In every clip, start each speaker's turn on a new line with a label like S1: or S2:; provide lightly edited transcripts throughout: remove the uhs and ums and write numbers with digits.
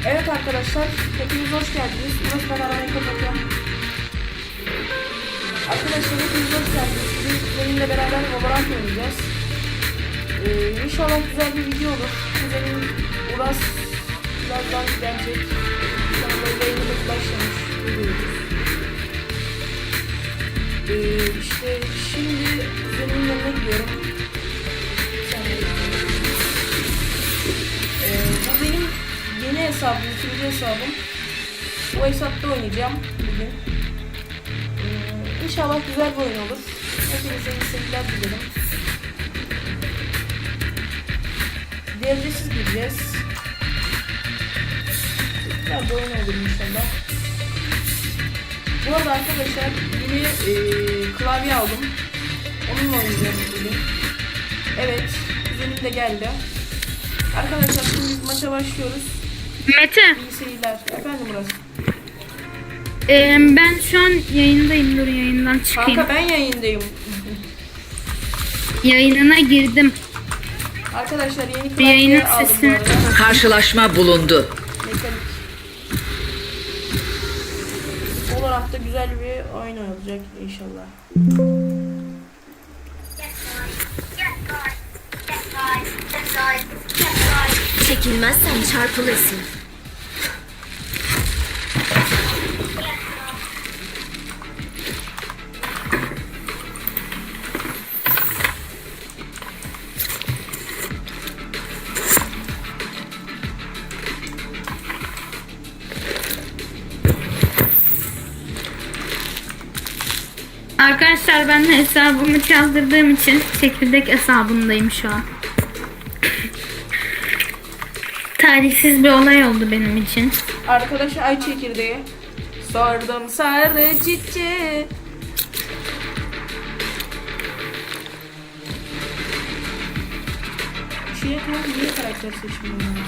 S1: Evet arkadaşlar, hepiniz hoş geldiniz. Burası ben aramayı kapatıyorum. Arkadaşlar hepiniz hoş geldiniz. Bugün kuzenimle beraber Valorant oynayacağız. İnşallah güzel bir video olur. Kuzenim Uras birazdan gelecek. Şu anda yayınımız başlamış. İşte şimdi kuzenimin yanına gidiyorum. Bu benim yeni hesabım, ikinci hesabım. Bu hesapta oynayacağım bugün. İnşallah güzel bir oyun olur. Hepinize iyi seyirler dilerim. Devresiz gireceğiz. Güzel bir oyun olur inşallah. Bu arada arkadaşlar yeni klavye aldım. Onunla oynayacağım bugün. Evet, kuzenim de geldi. Arkadaşlar şimdi biz maça başlıyoruz.
S2: Mete.
S1: İyi seyirler. Efendim Murat.
S2: Ben şu an yayındayım. Dur yayından çıkayım.
S1: Kanka ben yayındayım.
S2: Yayınına girdim.
S1: Arkadaşlar yeni
S2: Yayının
S1: klavye aldım bu
S2: sesi.
S1: arada.
S3: Karşılaşma bulundu.
S1: Mekanik. Olarak da güzel bir oyun olacak inşallah.
S4: Çekilmezsen çarpılırsın.
S2: Arkadaşlar ben de hesabımı çaldırdığım için çekirdek hesabındayım şu an. Tarihsiz bir olay oldu benim için.
S1: Arkadaşlar ay çekirdeği. Sordum sardı çiçeği. Şuraya kadar niye karakter seçmiyorum?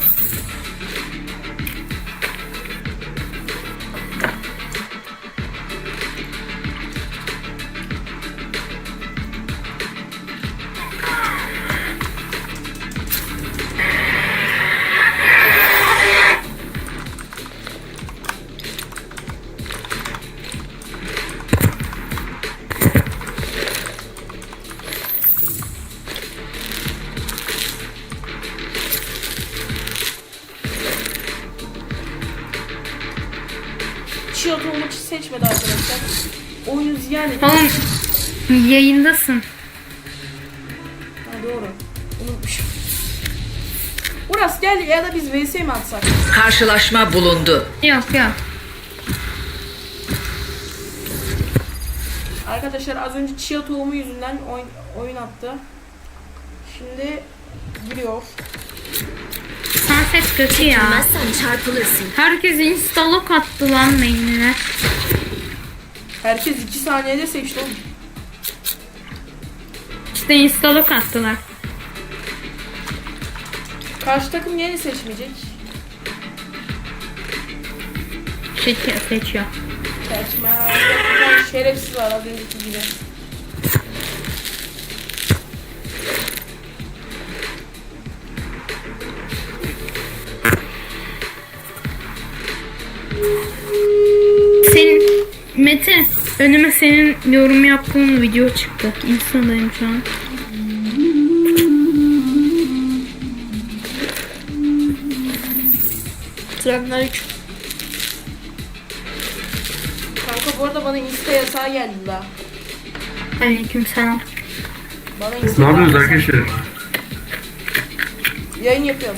S1: Çiğot olmak için seçmedi arkadaşlar. Oyunu ziyan edin.
S2: Oğlum yayındasın.
S1: Ha doğru. Unutmuşum. Uras gel ya da biz vs mi atsak?
S3: Karşılaşma bulundu.
S2: Yok.
S1: Arkadaşlar az önce chia tohumu yüzünden oyun attı. Şimdi giriyor.
S2: Sunset kötü ya.
S4: Çekilmezsen çarpılırsın.
S2: Herkes instalok attı lan main'ine.
S1: Herkes 2 saniyede seçti oğlum.
S2: İşte instalok attılar.
S1: Karşı takım yeni seçmeyecek.
S2: Seçiyor.
S1: Seçme. Bir tane şerefsiz var az önceki gibi.
S2: Senin Mete önüme senin yorum yaptığın video çıktı. Insta'dayım şu an.
S1: Selamünaleyküm. Kanka bu arada bana insta yasağı geldi daha.
S2: Aleykümselam.
S1: Bana insta
S5: Ne yapıyorsunuz arkadaşlar?
S1: Yayın yapıyoruz.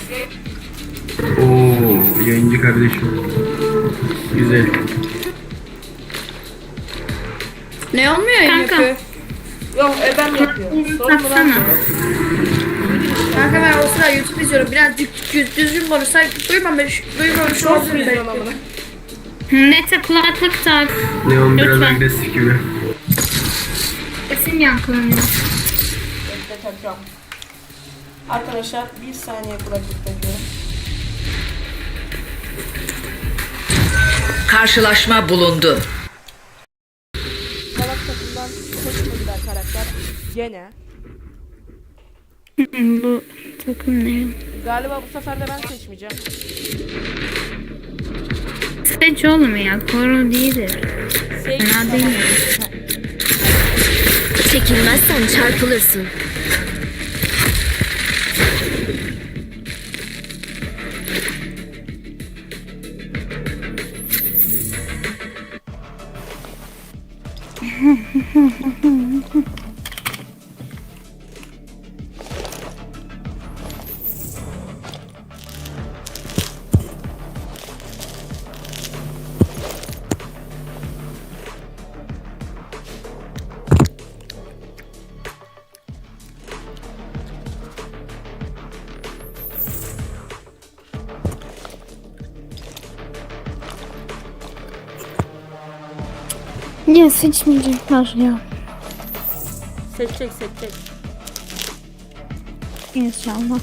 S5: Oo, yayıncı kardeşim. Güzel.
S1: Ne olmuyor yayın
S2: Kanka.
S1: yapıyor? Yok ben yapıyor. Sorun mu lan?
S2: Taksana.
S6: Kanka ben o sıra YouTube izliyorum. Biraz düzgün konuşsak duymamış
S1: Çok
S6: olabilir
S1: izliyorum
S6: belki.
S1: amına.
S2: Mete kulaklık tak.
S5: Neon biraz
S2: Lütfen.
S5: agresif gibi.
S2: Sesin yankılanıyor.
S1: Bekle takıyorum. Arkadaşlar bir saniye kulaklık takıyorum.
S3: Karşılaşma bulundu.
S1: Salak takımdan seçmediler karakter. Gene.
S2: Bu takım ne?
S1: Galiba bu sefer de ben seçmeyeceğim.
S2: Seç oğlum ya. Koro değildir. Fena değil mi?
S4: Çekilmezsen çarpılırsın.
S2: Ya seçmeyecekler ya.
S1: Seçecek.
S2: İnşallah.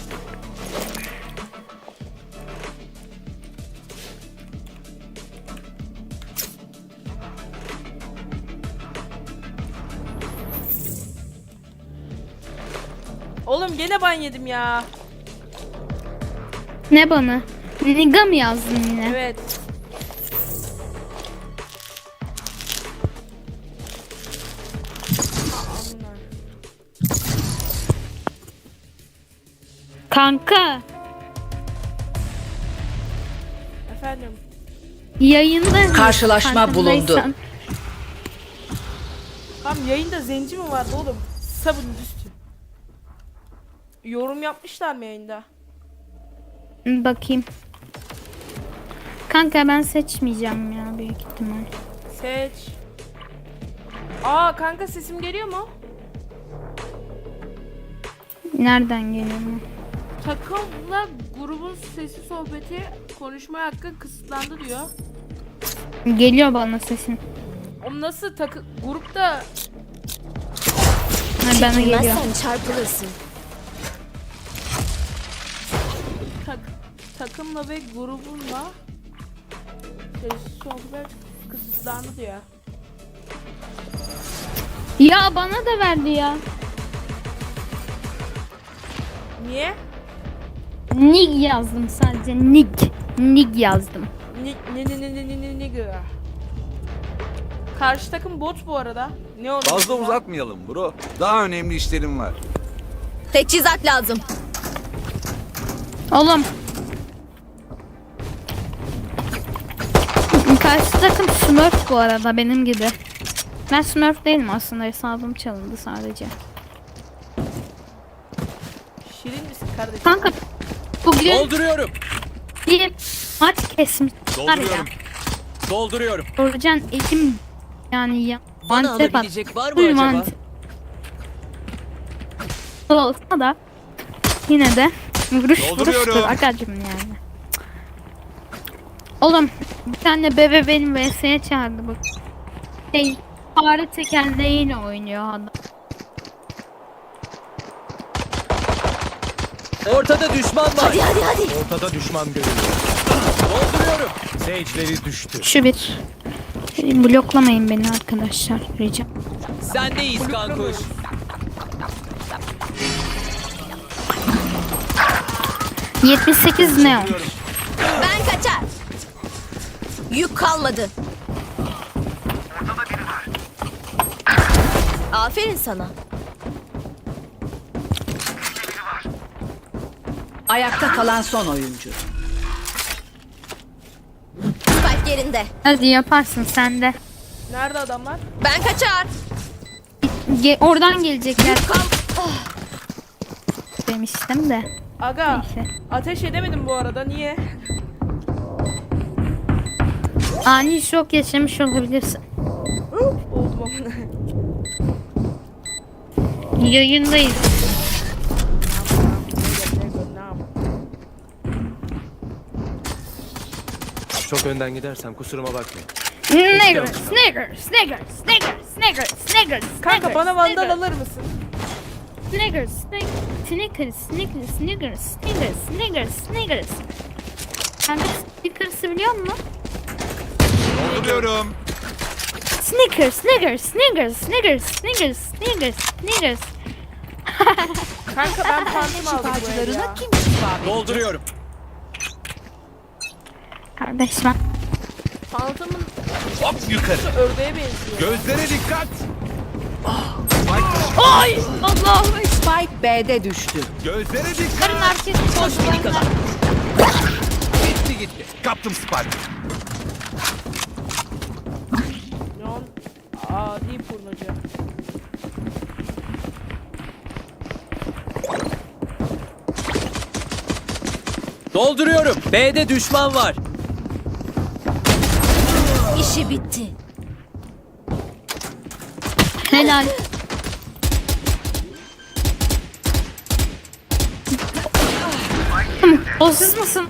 S1: Oğlum gene ban yedim ya.
S2: Ne bana? Niga mı yazdın yine?
S1: Evet.
S2: Kanka
S1: Efendim.
S2: yayında
S3: Karşılaşma
S2: farkındaysan.
S3: bulundu.
S1: Tam yayında zenci mi vardı oğlum? Sabun üstü. Yorum yapmışlar mı yayında?
S2: Bakayım. Kanka ben seçmeyeceğim ya büyük ihtimal.
S1: Seç. Aa kanka sesim geliyor mu?
S2: Nereden geliyor bu?
S1: Takımla grubun sesi sohbeti konuşma hakkı kısıtlandı diyor.
S2: Geliyor bana sesin.
S1: O nasıl grupta
S2: Ha, bana geliyor.
S4: Çekilmezsen çarpılırsın.
S1: takımla ve grubunla sesi sohbet kısıtlandı diyor.
S2: Ya bana da verdi ya.
S1: Niye?
S2: Nig yazdım sadece. Nig yazdım.
S1: Ne Karşı takım bot bu arada. Ne oldu?
S7: Fazla uzatmayalım bro. Daha önemli işlerim var.
S4: Teçhizat lazım.
S2: Oğlum. Karşı takım Smurf bu arada benim gibi. Ben Smurf değilim aslında, hesabım çalındı sadece.
S1: Şirin misin kardeşim?
S2: Kanka bugün
S8: Dolduruyorum.
S2: bir maç kesmişler ya.
S8: Dolduruyorum. Dolduruyorum.
S2: Orcan elim yani ya.
S8: Bana
S2: Antep at.
S8: alabilecek var mı
S2: Full
S8: acaba?
S2: mantep. Olsa da yine de vuruş
S8: Dolduruyorum.
S2: vuruştur agacım yani. Oğlum bir tane bebe benim VS'ye çağırdı bu. Fare tekerleğiyle oynuyor adam.
S8: Ortada düşman var.
S4: Hadi.
S8: Ortada düşman görüyorum. Dolduruyorum. Sage'leri düştü.
S2: Şu bir. Bloklamayın beni arkadaşlar rica.
S8: Sendeyiz kankuş.
S2: ...78 neon.
S4: Ben kaçar. Yük kalmadı. Aferin sana.
S3: Ayakta kalan son oyuncu.
S4: Spike yerinde.
S2: Hadi yaparsın sen de.
S1: Nerede adamlar?
S4: Ben kaçar.
S2: Oradan gelecekler
S4: Kal.
S2: demiştim de.
S1: Aga
S2: Neyse.
S1: ateş edemedim bu arada. Niye?
S2: Ani şok yaşamış olabilirsin.
S1: Oldum amına.
S2: Yayındayız.
S8: Çok önden gidersem kusuruma bakma.
S2: Snickers.
S1: Kanka bana vandal alır mısın?
S2: Snickers. Sen de Snickers'ı biliyor musun?
S7: Dolduruyorum.
S2: Snickers.
S1: Kanka ben pantum aldım bu el ya.
S8: Dolduruyorum.
S2: Kardeş ben
S1: Phantom'ın
S7: Hop yukarı.
S1: ördeğe benziyor.
S7: Gözlere dikkat.
S2: Ay Allah'ım.
S3: Spike B'de düştü.
S7: Gözlere dikkat.
S2: Karın arkası
S3: Boş biri kadar.
S7: Gitti gitti. Kaptım Spike.
S1: Neon adi pornocu.
S8: Dolduruyorum. B'de düşman var.
S4: İşi bitti.
S2: Helal. O siz misin?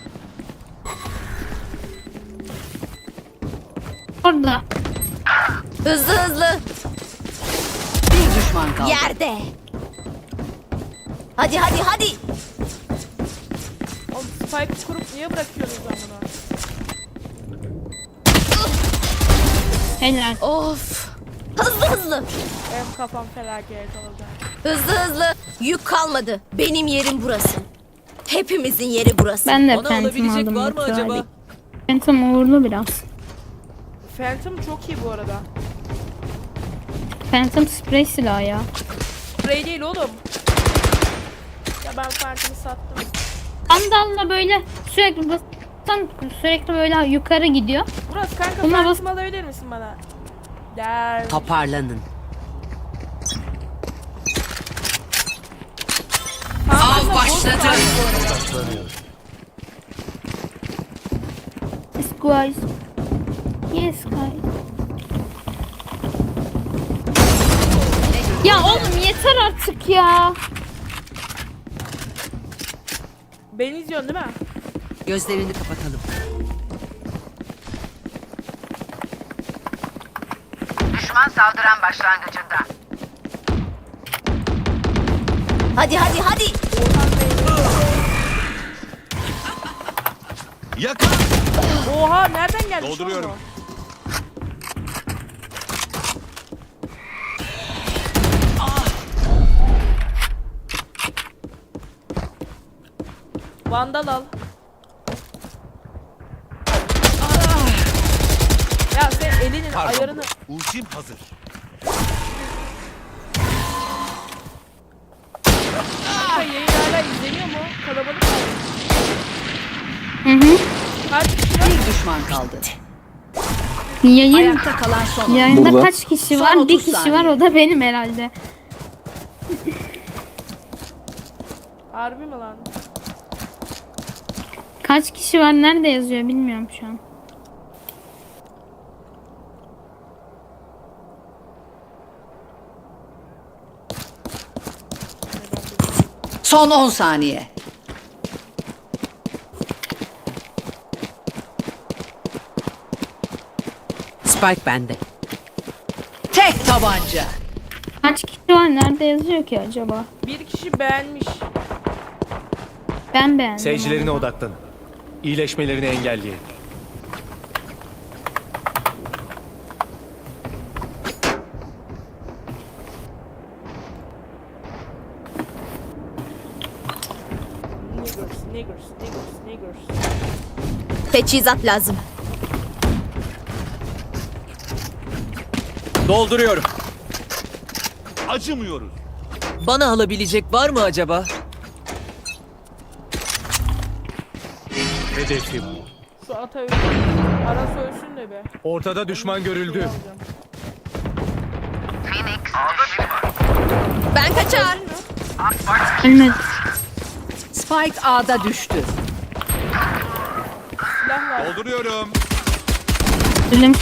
S2: Orada.
S4: Hızlı hızlı.
S3: Bir düşman kaldı.
S4: Yerde. Hadi hadi hadi.
S1: Oğlum spike kurup niye bırakıyorsunuz lan bunu?
S2: Helal.
S4: Of. Hızlı hızlı.
S1: Benim kafam felaket olacak.
S4: Hızlı hızlı. Yük kalmadı. Benim yerim burası. Hepimizin yeri burası.
S2: Ben de
S8: Bana
S2: Phantom
S8: alabilecek
S2: aldım.
S8: var mı
S2: Batu
S8: acaba?
S2: abi. Phantom uğurlu biraz.
S1: Phantom çok iyi bu arada.
S2: Phantom sprey silahı ya.
S1: Spray değil oğlum. Ya ben Phantom'ı sattım.
S2: Sandalla böyle sürekli böyle yukarı gidiyor.
S1: Murat kanka
S2: Buna bas-
S1: Phantom alabilir misin bana? Der.
S3: Toparlanın.
S1: Phantom'la
S3: Av başladı.
S1: bot var bu arada.
S2: Yes guys. Yes guys. Ya oğlum yeter artık ya.
S1: Beni izliyorsun değil mi?
S3: Gözlerini kapatalım.
S9: Düşman saldıran başlangıcında.
S4: Hadi hadi hadi.
S7: Yakar.
S1: Oha nereden geldi?
S7: Dolduruyorum.
S1: Vandal al. Ya sen elinin
S7: Pardon.
S1: ayarını...
S7: Ultim hazır.
S1: Kanka yayın hala izleniyor mu? Kalabalık mı?
S2: Hı hı.
S1: Kaç kişi var?
S3: Bir düşman kaldı.
S2: Yayın
S3: Ayakta kalan son oyuncu.
S2: yayında kaç kişi
S3: Son
S2: var?
S3: 30
S2: Bir kişi
S3: saniye.
S2: var, o da benim herhalde.
S1: Harbi mi lan?
S2: Kaç kişi var? Nerede yazıyor bilmiyorum şu an.
S3: Son 10 saniye. Spike bende. Tek tabanca.
S2: Kaç kişi var? Nerede yazıyor ki acaba?
S1: Bir kişi beğenmiş.
S2: Ben beğendim.
S8: Seyircilerine odaklanın. İyileşmelerini engelleyin.
S1: Niggers.
S4: Teçhizat lazım.
S8: Dolduruyorum.
S7: Acımıyoruz.
S8: Bana alabilecek var mı acaba? Hedefim.
S1: Şu ata ölsün. Ara ölsün de be.
S8: Ortada düşman görüldü.
S1: Alacağım.
S4: Ben kaçar.
S2: Ölmedi.
S3: Spike A'da düştü.
S1: Silah var.
S7: Dolduruyorum.
S2: Ölüm.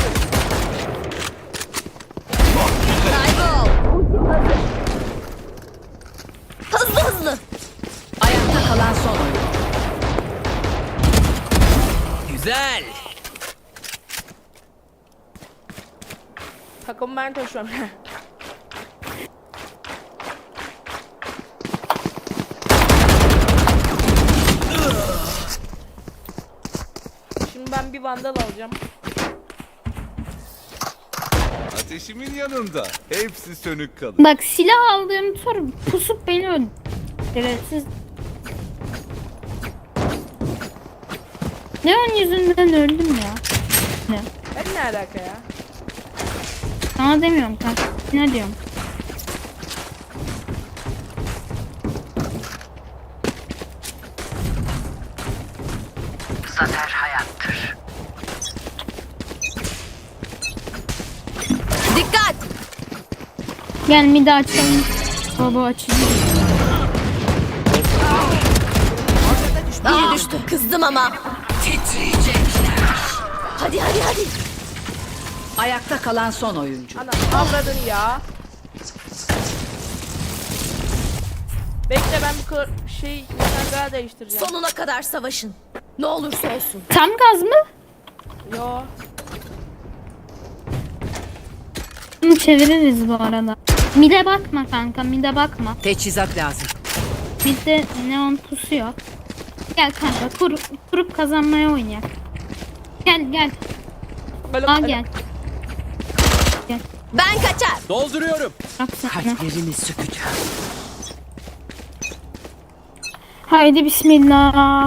S4: Kaybol. Hızlı hızlı.
S3: Ayakta kalan son oyuncu.
S8: Güzel.
S1: Takımı ben taşıyorum. Şimdi ben bir vandal alacağım.
S7: Ateşimin yanında. Hepsi sönük kalır.
S2: Bak silah aldığım tur pusup beni öldü. Evet siz... Neon yüzünden öldüm ya.
S1: Ben ne alaka ya?
S2: Sana demiyorum kanka. Ne diyorum?
S9: Zafer hayattır.
S4: Dikkat!
S2: Gel midi açalım. Baba açayım.
S4: Biri düştü. Kızdım ama. Hadi hadi hadi.
S3: Ayakta kalan son oyuncu.
S1: Ana avradın ya. Bekle ben bu şey daha değiştireceğim.
S4: Sonuna kadar savaşın. Ne olursa olsun.
S2: Tam gaz mı?
S1: Yo.
S2: Bunu çeviririz bu arada. Mide bakma kanka, mide bakma.
S3: Teçhizat lazım.
S2: Midde neon pusuyor. Gel kanka, kurup kazanmaya oynayak. Gel.
S1: Böyle
S2: Aa gel.
S4: Ben kaçar.
S8: Dolduruyorum.
S2: Bak sana.
S3: Kalplerini sökeceğim.
S2: Haydi bismillah.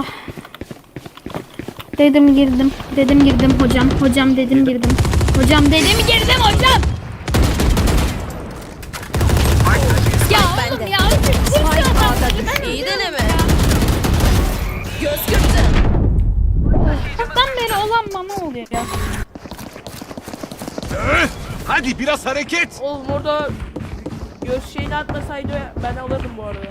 S2: Dedim girdim hocam. Hocam dedim girdim. Hocam dedim girdim hocam. Ya oğlum
S4: bende.
S2: ya. Spike
S4: İyi deneme. Göz kırptı.
S2: Çoktan beri olan bana oluyor ya.
S7: Hadi biraz hareket.
S1: oğlum orada göz şeyini atmasaydı ben alırdım bu arada.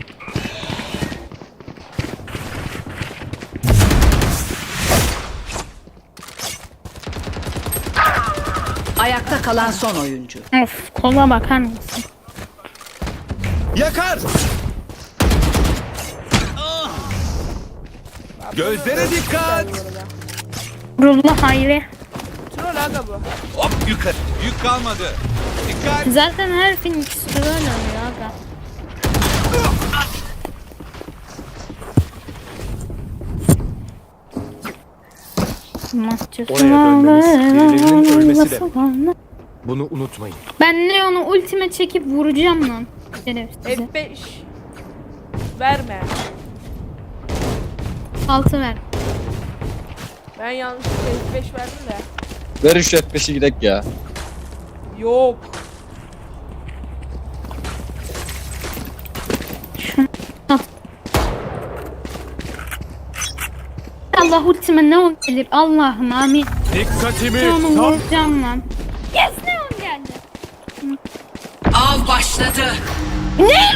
S3: Ayakta kalan son oyuncu.
S2: Of kola bakar mısın?
S7: Yakar. Gözlere dikkat.
S2: Rulla hayri.
S1: Troll aga bu.
S7: Hop yukarı. Yük kalmadı. Dikkat.
S2: Zaten her film ikisi de öyle oluyor aga.
S8: Oraya dönmemiz, birilerinin ölmesi de. Bunu unutmayın.
S2: Ben Leon'u ultime çekip vuracağım lan. Şerefsize.
S1: F5 verme.
S2: 6 ver.
S1: Ben yanlışlıkla F5 verdim de.
S10: Ver şu F5'i gidek ya.
S1: Yok.
S2: Allah ultime Leon gelir. Allah'ım amin.
S8: Dikkatimi
S2: Leon'u
S8: tam.
S2: vuracağım lan. Yes Leon geldi.
S3: Av başladı.
S2: Ne?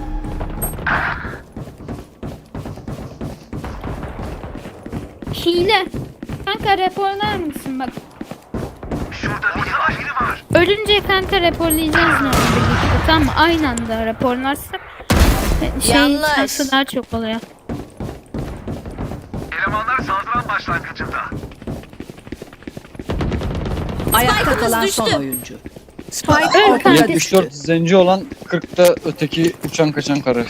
S2: Hile. Kanka raporlar mısın bak.
S9: Şurada biri var.
S2: Ölünce kanka raporlayacağız ne olur birlikte. Tamam aynı anda raporlarsak
S4: Yanlış.
S2: şansı daha çok oluyor.
S9: Elemanlar saldıran başlangıcında.
S3: Ayakta
S4: Spike'ımız
S3: kalan
S4: düştü.
S3: son oyuncu. Spike
S2: Öl
S3: ortada
S2: kanka.
S10: 74
S3: düştü.
S10: zenci olan 40'ta öteki uçan kaçan karı.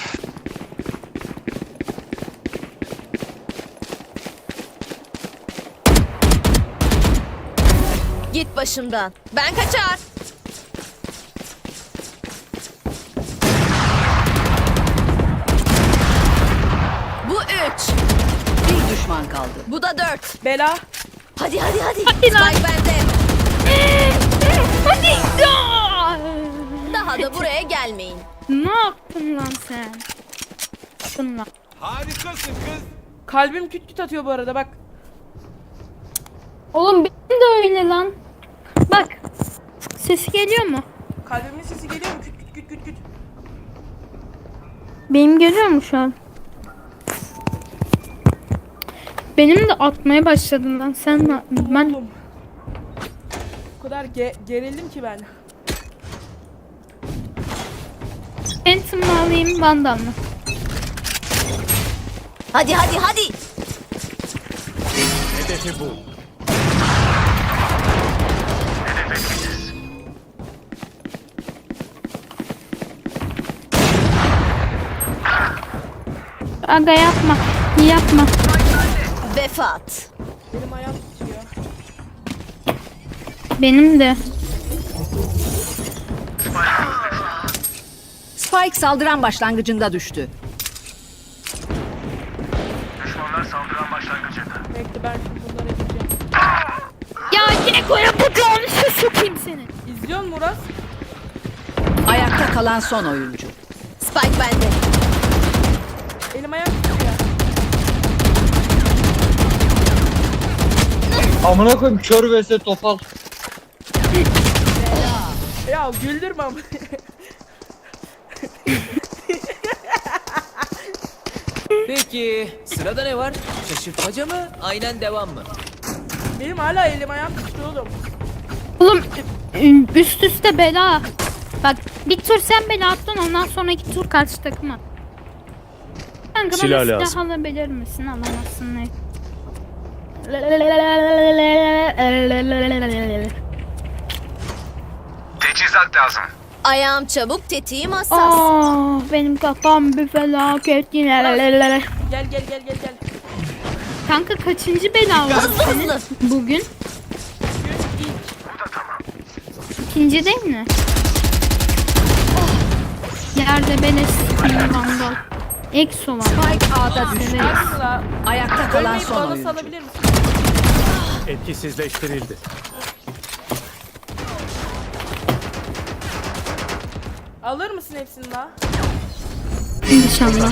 S4: Git başımdan. Ben kaçar. Bu 3.
S3: Bir düşman kaldı.
S4: Bu da 4.
S1: Bela.
S4: Hadi hadi hadi.
S2: Hadi lan.
S4: Spike bende.
S2: Hadi. Aa!
S4: Daha da buraya gelmeyin.
S2: Ne yaptın lan sen? Yaptın lan.
S7: Harikasın kız.
S1: Kalbim küt küt atıyor bu arada bak.
S2: Oğlum benim de öyle lan. Bak. Sesi geliyor mu?
S1: Kalbimin sesi geliyor mu? Küt küt küt küt küt.
S2: Benim geliyor mu şu an? Benim de atmaya başladın lan. Sen de ben
S1: Oğlum. O kadar gerildim ki ben.
S2: Phantom mı alayım Vandal mı?
S4: Hadi hadi hadi.
S8: Hedefi bu.
S2: Aga yapma. Yapma.
S4: Vefat.
S1: Benim ayağım tutuyor.
S2: Benim de.
S3: Spike saldıran başlangıcında düştü.
S9: Düşmanlar saldıran başlangıcında.
S1: Bekle ben şimdi bunları edeceğim.
S2: Eko yapacağını şu sokayım seni.
S1: İzliyor musun Murat?
S3: Ayakta kalan son oyuncu.
S4: Spike bende.
S1: Elim ayağım tutuyor.
S10: Amına koyayım kör vs topal.
S1: Ya güldürme ama.
S8: Peki sırada ne var? Şaşırtmaca mı? Aynen devam mı?
S1: Benim hala elim ayağım tutuyor oğlum.
S2: Oğlum üst üste bela. Bak bir tur sen bela attın ondan sonraki tur karşı takıma. Kanka
S8: Silah
S2: bana
S8: lazım.
S2: silah alabilir misin? Alamazsın ne?
S9: Teçhizat lazım.
S4: Ayağım çabuk, tetiğim hassas.
S2: Aa, benim kafam bir felaket yine.
S1: Gel gel gel gel gel.
S2: Kanka kaçıncı bela var
S4: Hızlı
S2: senin
S4: hızlı.
S2: bugün? İkinci değil mi? Yerde beleş vandal. Exo var.
S3: Spike A'da düştü.
S1: Asla.
S3: Ayakta kalan
S1: Ölmeyip
S3: son
S1: bana
S3: oyuncu.
S1: salabilir misin?
S8: Etkisizleştirildi.
S1: Alır mısın hepsini daha?
S2: İnşallah.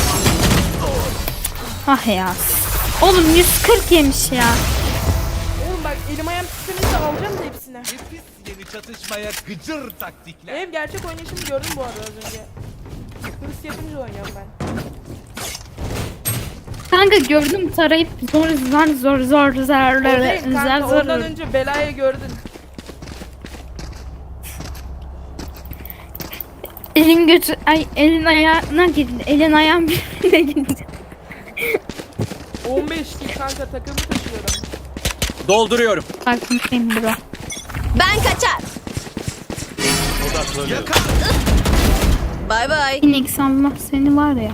S2: Ah ya. Oğlum 140 yemiş ya.
S1: Oğlum bak elim ayağım tutunca alacağım da hepsini.
S7: Nefis yeni çatışmaya gıcır taktikler.
S1: Benim gerçek oynayışımı gördüm bu arada az önce. Hırs yapınca oynuyorum ben.
S2: Kanka gördüm tarayıp zor
S1: O değil kanka,
S2: zor.
S1: ondan önce belayı gördün.
S2: Elin götü ay elin ayağına gitti. Elin ayağın birbirine gitti.
S1: 15 değil kanka, takımı taşıyorum.
S8: Dolduruyorum.
S2: Farkındayım bro.
S4: Ben kaçar.
S8: Odaklanıyorum.
S4: Bay bay.
S2: Phoenix Allah seni var ya.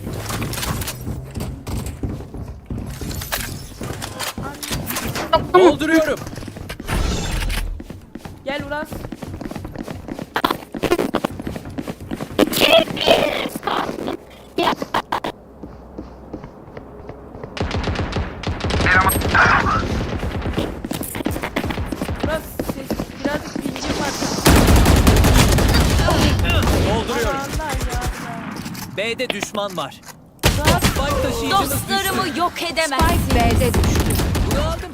S8: Dolduruyorum.
S1: Gel Uras. Uras birazcık bilgim var.
S8: Dolduruyorum.
S1: Aman ya.
S8: B'de düşman var.
S1: Rahat.
S8: Spike taşıyıcımız düştü.
S4: Dostlarımı yok edemezsin.
S3: B'de düştü.
S8: Bunu aldım.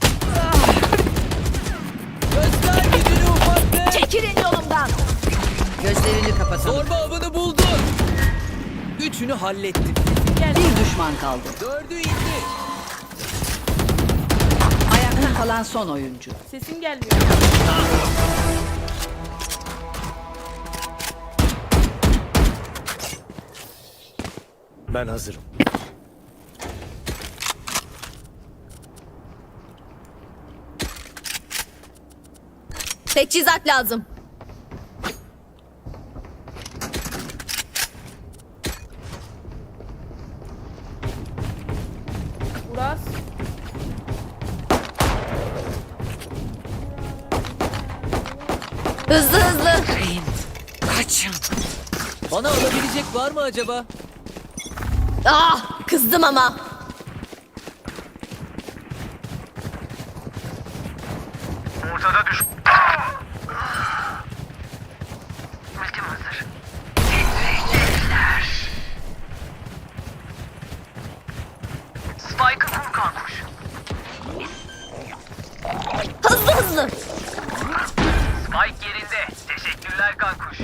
S8: Göster gücünü ufaklık.
S4: Çekilin yolumdan.
S3: Gözlerini kapatalım.
S8: Zorba avını buldu. Üçünü hallettim.
S3: Bir düşman kaldı.
S8: Dördü indi.
S3: Ayakta kalan son oyuncu.
S1: Sesin gelmiyor.
S8: Ben hazırım.
S4: Teçhizat lazım.
S1: Uras.
S4: Hızlı hızlı.
S8: Bana alabilecek var mı acaba?
S4: Ah, kızdım ama.
S9: Ortada düş... Ultim hazır. Titriyecekler. Spike'ı kur kankuş.
S4: Hızlı hızlı.
S9: Spike yerinde. Teşekkürler kankuş.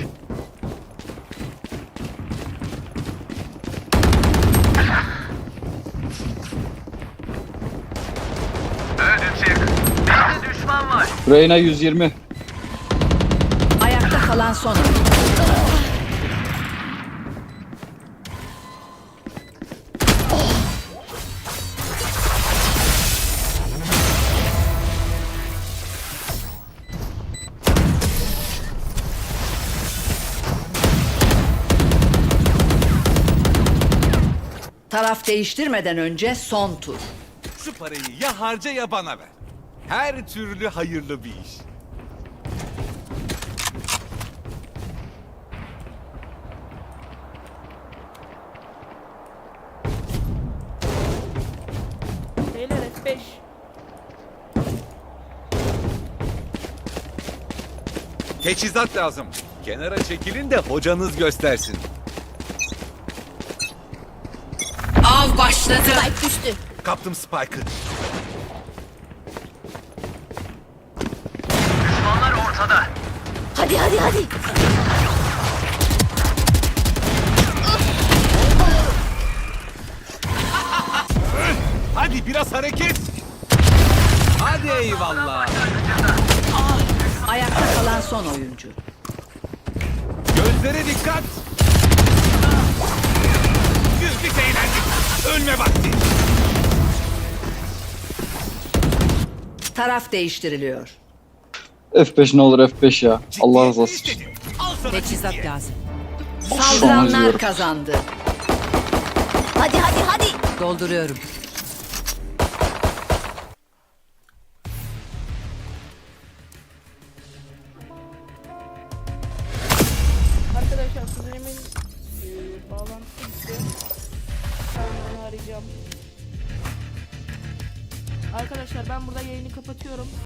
S9: Öldü çık. Bizde düşman var.
S10: Reyna 120.
S3: Ayakta kalan son oyuncu. Taraf değiştirmeden önce son tur.
S7: Şu parayı ya harca ya bana ver. Her türlü hayırlı bir iş.
S1: Beyler F5.
S7: Teçhizat lazım. Kenara çekilin de hocanız göstersin.
S3: Av başladı.
S4: Spike düştü.
S7: Kaptım Spike'ı.
S9: Düşmanlar ortada.
S4: Hadi hadi hadi.
S7: Hadi biraz hareket. Hadi eyvallah.
S3: Ayakta kalan son oyuncu.
S7: Gözlere dikkat. Güldük eğlendik. Ölme vakti.
S3: Taraf değiştiriliyor.
S10: F5 ne olur F5 ya. Allah razı olsun.
S7: İstedim. Al sana
S3: Teçhizat
S7: ciddiye.
S3: lazım.
S10: Şu an
S3: Saldıranlar
S10: izliyorum.
S3: kazandı.
S4: Hadi hadi hadi.
S3: Dolduruyorum.
S1: Arkadaşlar kuzenimin bağlantısı bitti. Ben onu arayacağım. Arkadaşlar ben burada yayını kapatıyorum.